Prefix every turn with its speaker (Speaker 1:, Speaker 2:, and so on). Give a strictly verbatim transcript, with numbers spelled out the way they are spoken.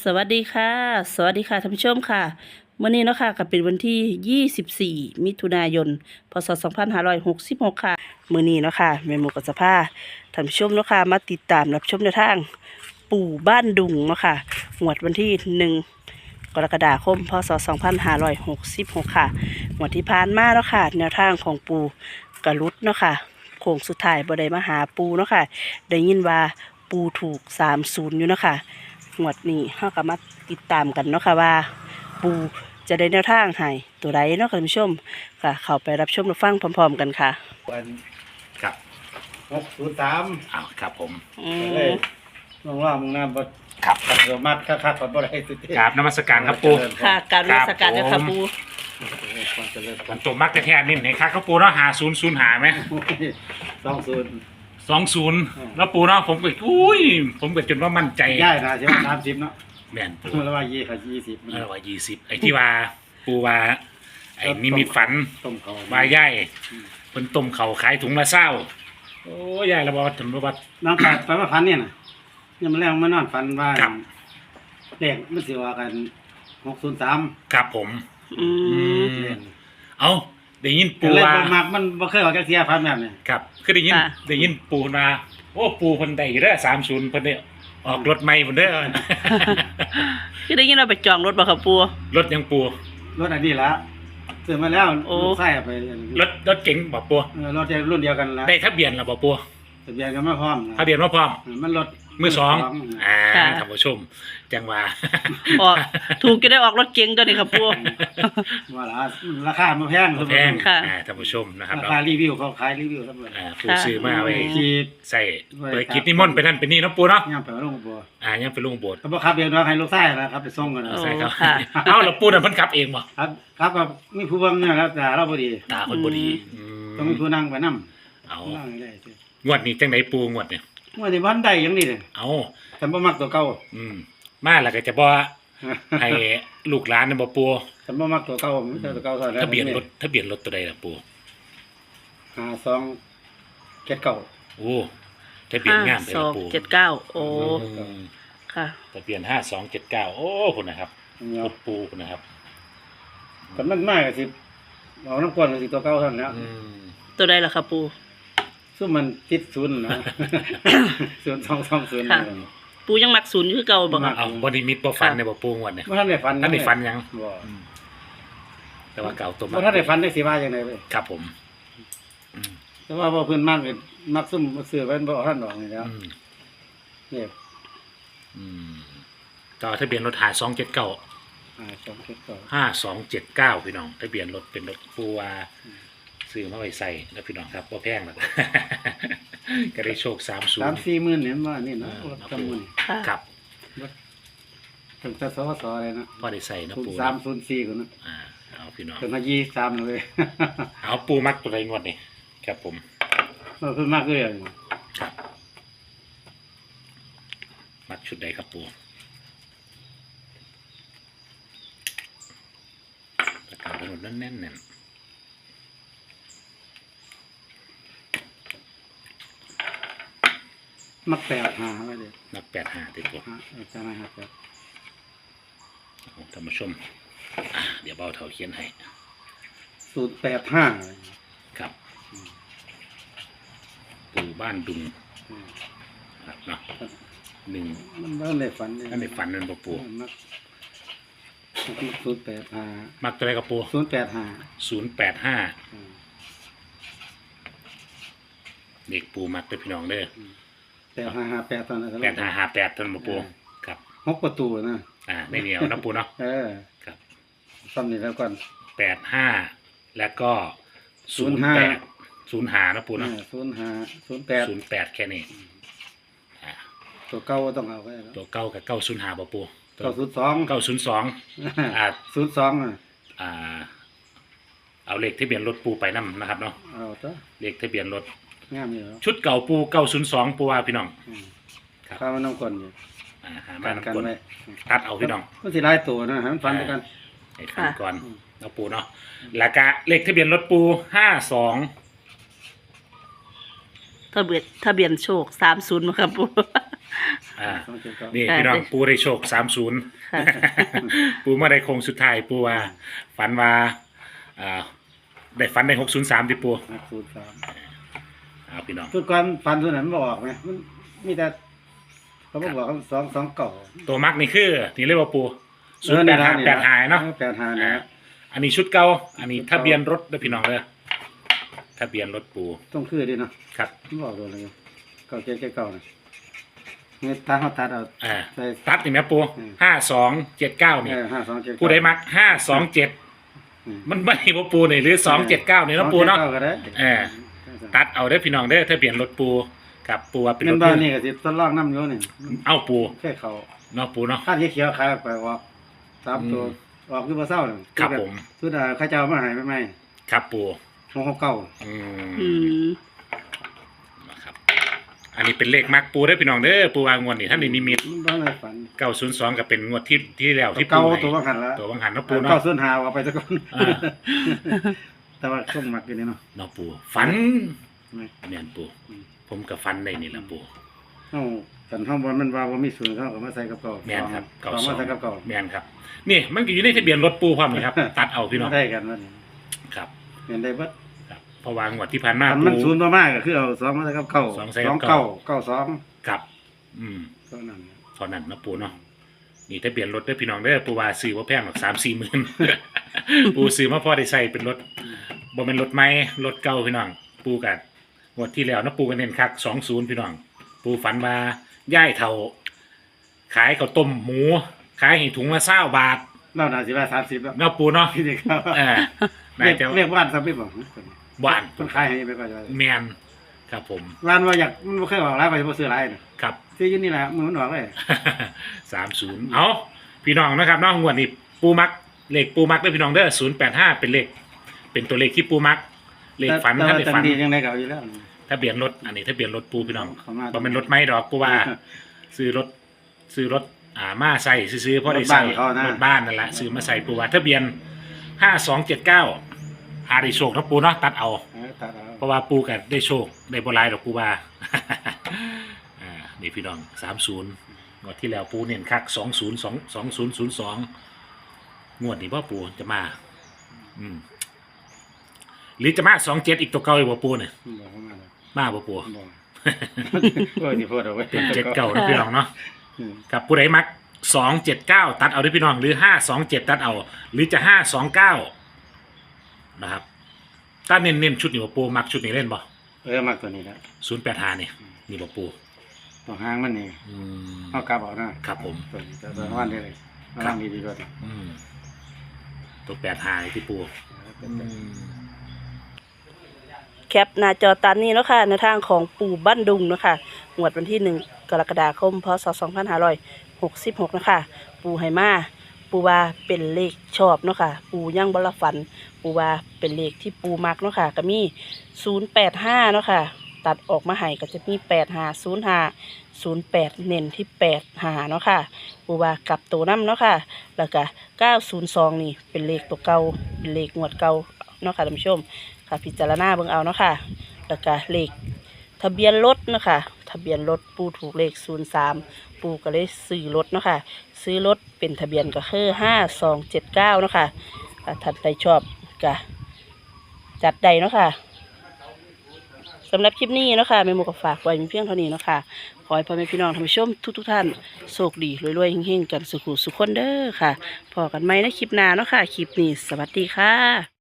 Speaker 1: สวัสดีค่ะสวัสดีค่ะท่านผู้ชมค่ะเมื่อนี้เนาะค่ะก็เป็นวันที่ยี่สิบสี่มิถุนายนพศสองพันห้าร้อยหกสิบหกค่ะเมื่อนี้เนาะค่ะแม่หมูกับสภาท่านผู้ชมเนาะค่ะมาติดตามรับชมแนวทางปู่บ้านดุงเนาะค่ะงวดวันที่หนึ่งกรกฎาคมพศสองพันห้าร้อยหกสิบหกค่ะงวดที่ผ่านมาเนาะค่ะแนวทางของปู่กระลุดเนาะค่ะโค้งสุดท้ายบ่ได้มาหาปู่เนาะค่ะได้ยินว่าปู่ถูกสามศูนย์อยู่เนาะค่ะงวดนี้เฮาก็มาติดตามกันเนาะค่ะว่าปูจะได้แนวทางให้ตัวใดเนาะค่ะท่านผู้ชมค่ะเข้าไปรับชมรับฟังพร้อมๆกันค่ะ
Speaker 2: วันครับ
Speaker 3: หกศูนย์สาม
Speaker 2: อ้าวครับผม
Speaker 1: อื
Speaker 3: เล
Speaker 1: ม
Speaker 3: ยมองว่ามึงน้ำบด
Speaker 2: ครับ
Speaker 3: เรือมัดคักๆก่อนบ่ได้สุดที่
Speaker 2: กราบนมัสการครับปู
Speaker 1: ค่ะการรัชการเนี่ยค่ะปู
Speaker 3: ความเจริญ
Speaker 2: วันตัวมักแท้ๆนี่ไหนครับครับปูเนาะหาศูนย์ศูนย์หาไหม
Speaker 3: สองศูนย์
Speaker 2: สองศูนย์แล้วปูเนาะผมก็อุ้ยผมก็จนว่ามั่นใจ
Speaker 3: ย่ายนะใช่ไหมสามสิบเนาะ
Speaker 2: แม่นปู
Speaker 3: แล้วว่ายี่ค่ะยี่สิบ
Speaker 2: เออว่ายี่สิบไอ้ที่ว่าปูว่าไอ้นิมิตฝัน
Speaker 3: ต้มเขา
Speaker 2: ว่าย่ายเป็นต้มเขาขายถุงละเศร้าโอ้ยายระบอถึงระบอ
Speaker 3: น้องขาดไปมาฟันเนี่ยนะยังมาแรงมานอนฟันว่า
Speaker 2: ครับ
Speaker 3: เลขมันสิว่ากันหกศูนย์สาม
Speaker 2: ครับผม
Speaker 1: อืม
Speaker 3: เลข
Speaker 2: เอาได้ยิน
Speaker 3: ปู
Speaker 2: ปู
Speaker 3: ว่า
Speaker 2: ว่า
Speaker 3: มักมันบ่เคยออกจากเสียฟันแบบนี้
Speaker 2: ครับคือได้ยิน
Speaker 1: ค่ะ
Speaker 2: ได้ยินปูมาโอ้ปูเพิ่นได้อยู่เด้อสามศูนย์เพิ่นเนี่ยออกรถใหม่เพิ่นเด้อ
Speaker 1: คือได้ยินเราไปจองรถบ่ค่ะปู
Speaker 2: รถยังปู
Speaker 3: รถอันนี้ละซื้อมาแล้ว
Speaker 1: โอ้
Speaker 3: ลูกไส้ไป
Speaker 2: รถรถเก๋งบอกปู
Speaker 3: เออรถรุ่นเดียวกันละ
Speaker 2: ได้ทะเบียนแล้วบอกปู
Speaker 3: ทะเบียนกันมาพร้อมนะ
Speaker 2: ทะเบียนมาพร้อม
Speaker 3: มันรถ
Speaker 2: มือสอง
Speaker 3: นะ
Speaker 2: อ่า
Speaker 1: ค่ะ
Speaker 2: ท่านผู้ชมจังว่า
Speaker 1: ออกถูกจะได้ออกรถเก๋งตัวนี้ค่ะปู
Speaker 3: ว่าละราคามันแพง
Speaker 2: แพง
Speaker 1: ค่ะ
Speaker 2: อ่าท่านผู้ชมนะครับ
Speaker 3: รา
Speaker 2: เนาะ
Speaker 3: คารีวิวเขาขายรีวิวทั้งหมด
Speaker 2: อ่าผู้ซื้อมาไว้
Speaker 3: ขีด
Speaker 2: ใส่เปิดกิจนิมนต์ไปนั่นไปนี่เนาะปูเนาะ
Speaker 3: ย่างไปว่าลงบัว
Speaker 2: อ่ายังไปลงโบสถ์
Speaker 3: เขาบอกครับเดียวน้องให้ลูกไส้นะครับไปส่งกันนะ
Speaker 1: โอ้
Speaker 2: ใช่ครับ
Speaker 1: ค่ะ
Speaker 2: เอ้าแล้วปูน่ะเพิ่นขับเองบ่
Speaker 3: ครับครับแบบมีผู้เบังเนี่ยแล้วแต่เราพอดี
Speaker 2: ตาเพิ่นบ่ดีอื
Speaker 3: ต้องมีผู้นั่งไปนั่ง
Speaker 2: เอา
Speaker 3: นั่งได้สิ
Speaker 2: งวดนี้จังไดปูงวดเนี่ย
Speaker 3: เมื่อที่วันใดอย่างนี้เลย
Speaker 2: เอา
Speaker 3: ฉันบ่มักตัวเก่า
Speaker 2: อืมมาแล้วก็จะบ่ให้ลูกหลานน่ะบ่ปู
Speaker 3: ฉันบ่มักตัวเก่ามันจะตัวเก่าเท่าไหร่
Speaker 2: ทะเบียนรถทะเบียนรถตัวใดล่ะปู
Speaker 3: ห้าสองเจ็ดเก่า
Speaker 2: โอ้ทะเบียน
Speaker 1: ห้าง
Speaker 2: ามไป
Speaker 1: ส
Speaker 2: แล้
Speaker 1: อ
Speaker 2: ว
Speaker 1: ง
Speaker 2: ปู
Speaker 1: เจ็ดเก้าโอ้
Speaker 2: อืม
Speaker 1: ค่ะ
Speaker 2: ทะเบียนห้าสองเจ็ดเก้าโอ้คุณนะครับ
Speaker 3: เนี่ย
Speaker 2: รถปูคุณนะครับ
Speaker 3: แต่มันมากก็สิเอาน้ำกวนก็สิตัวเก่าเท่านั้นแหล้ว
Speaker 2: อืม
Speaker 1: ตัวใดล่ะค่ะปู
Speaker 3: ซึ่งมันติดศูนย์นะ ศูนย์สองสองศูนย์
Speaker 1: ค่ะ ปูยังมักศูนย์คือเก่าบ่ค่ะ
Speaker 2: เอาบอดี้มิดบ่ฟันในบ่ปูงวดเนี่ย
Speaker 3: เมื่อท่านได้ฟัน
Speaker 2: ท่านได้ฟันยัง
Speaker 3: บ่
Speaker 2: อืมแต่ว่าเก่าตัว
Speaker 3: เมื่อท่านได้ฟันได้สิว่าอย่างไรเลย
Speaker 2: ครับผมอืม
Speaker 3: แต่ว่าพอเพื่อนมากเลยมักซุ่มมาซื้อไว้บ่ท่านดอกนี่แล้ว
Speaker 2: อืม
Speaker 3: เนี่ย
Speaker 2: อืมต่อทะเบียนรถหาสองเจ็ดเก้า
Speaker 3: อ่าสองเจ็ดเก่า
Speaker 2: ห้าสองเจ็ดเก้าพี่น้องทะเบียนรถเป็นรถปูวาซื้อมาไว้ใส่แล้วพี่น้องครับบ่แพงหรอก ก็ได้โชคสามศูน
Speaker 3: สาม
Speaker 2: ย์
Speaker 3: สี่หมื่นเนี่ยว่านี่นะ
Speaker 2: อ่า
Speaker 3: จำนวน
Speaker 1: ค่ะ
Speaker 2: ครับ
Speaker 3: ถึงแต่สวสอะไรนะ
Speaker 2: พอได้ใส่เนาะ
Speaker 3: ศูน
Speaker 2: ปู
Speaker 3: ย์สามศูนย์สี่คนนะ
Speaker 2: อ่าเอาพี่น้อง
Speaker 3: ถึงมายี่สามเลย
Speaker 2: เอาปูมักตัวใดงวดนี่ครับผม
Speaker 3: เออเพิ่นมากเลยอ่ะ
Speaker 2: ครับ มักชุดใดครับปูประกาศถนนแน่นแน่นแน่น
Speaker 3: มักแปดหาไว้เลย
Speaker 2: นักแปดห้าติดตัว
Speaker 3: ฮะเออจะไม่ครับ
Speaker 2: ท่านผู้ชมอ่ะเดี๋ยวเบาเท่าเขียนให้
Speaker 3: ศูนย์แปดห้า
Speaker 2: ครับ ปูบ้านดุงครับเนาะหนึ่ง
Speaker 3: มันไม่ได้ฝันเลย
Speaker 2: อันในฝันนั่นปะปู
Speaker 3: มักศูนย์แปดห้า
Speaker 2: มักตัวใดกับปู
Speaker 3: ศูนย์แปดห้า
Speaker 2: ศูนย์แปดห้าเด็กปูมักเป็นพี่น้องเด้อ
Speaker 3: แปดห้าห้าแปดตอนนั้น
Speaker 2: แปดห้าห้าแปดท่านปะปูครับ
Speaker 3: หกประตูนะ
Speaker 2: อ่าไม่เหนียวนะปูเนาะ
Speaker 3: เออ
Speaker 2: ครับ
Speaker 3: ซ้ำนี่แล้วก่อน
Speaker 2: แปดห้าแล้วก็ศูนย์แปดศูนย์หานะปูเนาะ
Speaker 3: ศูนย์ห้าศูนย์แปด
Speaker 2: ศูนย์แปดแค่นี้อ่า
Speaker 3: ตัวเก่าก็ต้องเอาไว้แล้ว
Speaker 2: ตัวเก้ากับเก้าศูนย์หาปะปู
Speaker 3: เก้าศูนย์สอง
Speaker 2: เก้าศูนย์สองอ่า
Speaker 3: ศูนย์สองอ่ะ
Speaker 2: อ่า เอาเลขทะเบียนรถปูไปนํนะครับเนาะ
Speaker 3: เอาตัว
Speaker 2: เลขทะเบียนรถ
Speaker 3: งามอยู่แล้ว
Speaker 2: ชุดเก่าปูเก้าศูนย์สองปูว่าพี่น้อง
Speaker 3: อืม
Speaker 2: ครับ
Speaker 3: ข้าวมันน้ำก่อนอยู่
Speaker 2: อ่าหา
Speaker 3: กั
Speaker 2: มาน
Speaker 3: กัน
Speaker 2: น้ำกล
Speaker 3: ไว้
Speaker 2: ตัดเอาพี่น้อง
Speaker 3: มันสิหลายตัวนะให้มันฟันด้วยกัน
Speaker 2: ให้ฟังก่อน
Speaker 3: อืม
Speaker 2: เอาปูเนาะแล้วก็เลขทะเบียนรถปูห้าสอง
Speaker 1: ทะเบียนทะเบียนโชคสามศูนย์มาครับปู
Speaker 2: อ่า
Speaker 3: สองเจ็ดเก้า
Speaker 2: นี่
Speaker 1: อ่า
Speaker 2: พี่น้องปูได้โชคสามศูนย์
Speaker 1: ค่ะ
Speaker 2: ปูมาได้โคงสุดท้ายปูว่าฝันว่าอ่าได้ฝันได้หกศูนย์สามที่ปู
Speaker 3: ห้าศูนย์สาม
Speaker 2: เอาพี่น้อง
Speaker 3: ทุกคนฟันตัวนั้นมันบอกไหมมันมีแต่เขาบอกว่าสองสองเก่า
Speaker 2: ตัวมักนี่คือนี่เรียกว่าปู
Speaker 3: เอ
Speaker 2: ศูน
Speaker 3: อ
Speaker 2: ย์แป
Speaker 3: นี่
Speaker 2: ด
Speaker 3: นะ
Speaker 2: ห้า
Speaker 3: นี่
Speaker 2: แปดหายเนาะ
Speaker 3: แปดหา
Speaker 2: อ่า
Speaker 3: นะ
Speaker 2: อันนี้ชุดเก่าอันนี้ทะเบียนรถเด้อพี่น้องเด้อทะเบียนรถปู
Speaker 3: ต้องคือดีเนาะ
Speaker 2: ครับ
Speaker 3: มันบอกตัวเลยเก่าเจ็ดเจ็ดเก่านะเนี่ยถ้าเขาตัดเอา
Speaker 2: อ่า
Speaker 3: ใส่
Speaker 2: ตัดนี่แม่ปู
Speaker 3: อืม
Speaker 2: ห้าสองเจ็ดเก้านี่
Speaker 3: เออห้าสองเจ็ด
Speaker 2: ปูได้มักห้าสองเจ็ด
Speaker 3: อืม
Speaker 2: มันไม่บ่ปูนี่หรือสองเจ็ดเก้านี่เนาะปูเนาะ
Speaker 3: สองจ็ดก้ก็ได้
Speaker 2: เออ ตัดเอาเด้อพี่น้องเด้อทะเบียนรถปูกับปูว่าเป็นร
Speaker 3: เงิน
Speaker 2: ถ
Speaker 3: บ้าน
Speaker 2: ปู
Speaker 3: นี่ก็สิทดลองน้ำอยู่นี่
Speaker 2: เอาปู
Speaker 3: แค่เขา
Speaker 2: เนาะปูเนาะ
Speaker 3: ข้าที่เขียวขายออกไปออกสามตัว
Speaker 2: อืม
Speaker 3: ออกคือบ่เศร้าเลย
Speaker 2: ครับผม
Speaker 3: สุดาข้าเจ้ามาใหายไปไหม
Speaker 2: ครับปู
Speaker 3: หกหกเก้า
Speaker 2: อื
Speaker 1: อื
Speaker 2: ม
Speaker 1: ม
Speaker 2: นะครับอันนี้เป็นเลขมักปูเด้อพี่น้องเด้อปูวางงวดนี่ท่านนี่นิมิต
Speaker 3: มันบ้านในฝัน
Speaker 2: เก้าศูนย์สองก็เป็นงวดที่ที่แล้วที่ปู
Speaker 3: เก่า
Speaker 2: ให้
Speaker 3: ตัวบางหันแล้ว
Speaker 2: ตัวบางหันเนาะปูเนาะ
Speaker 3: เก้าส่วนหาเอาไปซะก่อน
Speaker 2: อ่า
Speaker 3: แต่ว่าช่วงมักอยู่นี่เนาะ
Speaker 2: เนาะปูฝัน
Speaker 3: ไม่
Speaker 2: แม่นปู
Speaker 3: อืม
Speaker 2: ผมกับฟันในนี่แหละปู
Speaker 3: เฮาสันห้องบอลมันว่าบ่มีศูนย์เขาก็มาใส่กับเก่า
Speaker 2: แม่นครับ
Speaker 3: เก่า
Speaker 2: เก้าสอ
Speaker 3: มาง ใส่กับเก่า
Speaker 2: แม่นครับ นี่มันก็อยู่ในทะเบียนรถปูพร้อมนี่ครับ ตัดเอาพี่น้อง
Speaker 3: ได้กันว่านี่
Speaker 2: ครับ
Speaker 3: เห็นได้เบิด
Speaker 2: ครับเพราะวางวดที่ผ่านมา
Speaker 3: อัน
Speaker 2: ปู
Speaker 3: มันศูนย์บ่มากก็คือเอาสองมาใส่กับเก่า
Speaker 2: สองใส่กับ
Speaker 3: เก่า
Speaker 2: เก้า
Speaker 3: เก้าสอง
Speaker 2: ครับ อืม
Speaker 3: เท่านั้น
Speaker 2: เท่านั้นเนาะปูเนาะนี่ทะเบียนรถเด้อพี่น้องเด้อปูว่าซื้อว่าแพงหรอกสามสี่หมื่น ปูซื้อมาพอได้ใส่เป็นรถบ่เป็นรถใหม่รถเก่าพี่น้อง ปูกันงวดที่แล้วเนาะปูกันเน้นคักสองศูนย์พี่น้อง ปูฝันว่าย่ายเท่าขายข้าวต้มหมู ขายให้ถุงละเศร้าบาท
Speaker 3: เราน่าสิว่าสามสิบแล้ว
Speaker 2: เนาะปูเนาะ
Speaker 3: พี่นี่ครับ
Speaker 2: เออ
Speaker 3: เรี
Speaker 2: นาย
Speaker 3: ก
Speaker 2: จะ
Speaker 3: เรียกว่านซับไม่บอก
Speaker 2: บ้าน
Speaker 3: มันขายให้ไปก่อนจะ
Speaker 2: แมนครับผม
Speaker 3: ร้านว่าอยากมันบ่เคยออกร้านไปบ่ซื้อร้านน่ะ
Speaker 2: ครับ
Speaker 3: ซื้ออยู่นี่แหละมือมันออกเลย
Speaker 2: สามศูนย์เอาพี่น้องนะครับน้องงวดนี้ปูมักเลขปูมักด้วยพี่น้องเด้อศูนย์แปดห้าเป็นเลขเป็นตัวเลขที่ปูมัก เลขฝัน
Speaker 3: แต่
Speaker 2: ท่าน
Speaker 3: ว่า
Speaker 2: ได้
Speaker 3: จั
Speaker 2: ฝั
Speaker 3: ง
Speaker 2: น
Speaker 3: ดียังไงก็เอาอยู่แล้ว
Speaker 2: ทะเบียนรถอันนี้ทะเบียนรถปูพี่น้อง
Speaker 3: เข้ามา
Speaker 2: บ่เป็นรถไม่ดอกปูว่า ซื้อรถซื้อรถอ่ามาใส่ซื้อๆเพราะได้ใส่
Speaker 3: รถบ้านเขานะ
Speaker 2: รถบ้านนั่นแหละซื้อมาใส่ปูว่าทะเบียนห้าสองเจ็ดเก้าหาได้โชคนะปูเนาะตัดเอา
Speaker 3: เออตัดเอา
Speaker 2: เพราะว่าปูกันได้โชคได้บหลายดอกปูว่า อ่านี่พี่น้องสามศูนย์งวดที่แล้วปูเน้นคักสองศูนย์สองสองศูนย์ศูนย์สองงวดนี้พ่อปูจะมา อืมหรือจะมาสองเจ็ดอีกตัวเก่าอีกบ่ปูเนี่ย
Speaker 3: บอกเข้ามาแล้ว
Speaker 2: มาบ่ปู
Speaker 3: บอกโอ้ยนี่พูดเอาไว้
Speaker 2: เป็นเจ็ดเก่านะพี่น้องเนาะ
Speaker 3: อืม
Speaker 2: กับผู้ใดมักสองเจ็ดเก้าตัดเอาด้วยพี่น้องหรือห้าสองเจ็ดตัดเอา หรือจะห้าสองเก้านะครับถ้าเน้นเน้นชุดนี้บ่ปูมักชุดนี้เล่นบ่
Speaker 3: เออมักตัวนี้แหละ
Speaker 2: ศูนย์แปดห้านี่นี่บ่ปู
Speaker 3: ตัวหางมันนี่
Speaker 2: อืม
Speaker 3: เอากลับเอานะครับ
Speaker 2: ผม
Speaker 3: ตัวนี้ตัวตัววันนี้เลยระวังดีๆด้วย
Speaker 2: อืมตัวแปดหายที่ปูอืม
Speaker 1: แคปหน้าจอตามนี้เนาะค่ะในทางของปู่บ้านดุงเนาะค่ะงวดวันที่หนึ่งกรกฎาคมพศสองพันห้าร้อยหกสิบหกนะคะปู่ไหมาปู่ว่าเป็นเลขชอบเนาะค่ะปู่ยังบละฝัน ปู่ว่าเป็นเลขที่ปู่มักเนาะค่ะก็มีศูนย์แปดห้าเนาะค่ะตัดออกมาให้ก็จะมีแปดห้าศูนย์ห้าศูนย์แปดเน้นที่แปดห้าเนาะค่ะปู่ว่ากลับตัวน้ำเนาะค่ะแล้วก็เก้าศูนย์สองนี่เป็นเลขตัวเก่าเป็นเลขงวดเก่าเนาะค่ะท่านผู้ชม ค่ะพิจารณาเบิ่งเอาเนาะค่ะแล้วก็เลขทะเบียนรถเนาะค่ะทะเบียนรถปูถูกเลขศูนย์สามปูก็เลยซื้อรถเนาะค่ะซื้อรถเป็นทะเบียนก็คือห้าสองเจ็ดเก้าเนาะค่ะถ้าท่านใดชอบก็จัดใดเนาะค่ะสำหรับคลิปนี้เนาะค่ะแม่หมูก็ฝากไว้มีเพียงเท่านี้เนาะค่ะขอให้พ่อแม่พี่น้องท่านผู้ชมทุกๆท่านโชคดีรวยๆเฮงๆกันสุขุสุขคนเด้อค่ะพอกันไหมในคลิปหน้าเนาะค่ะคลิปนี้สวัสดีค่ะ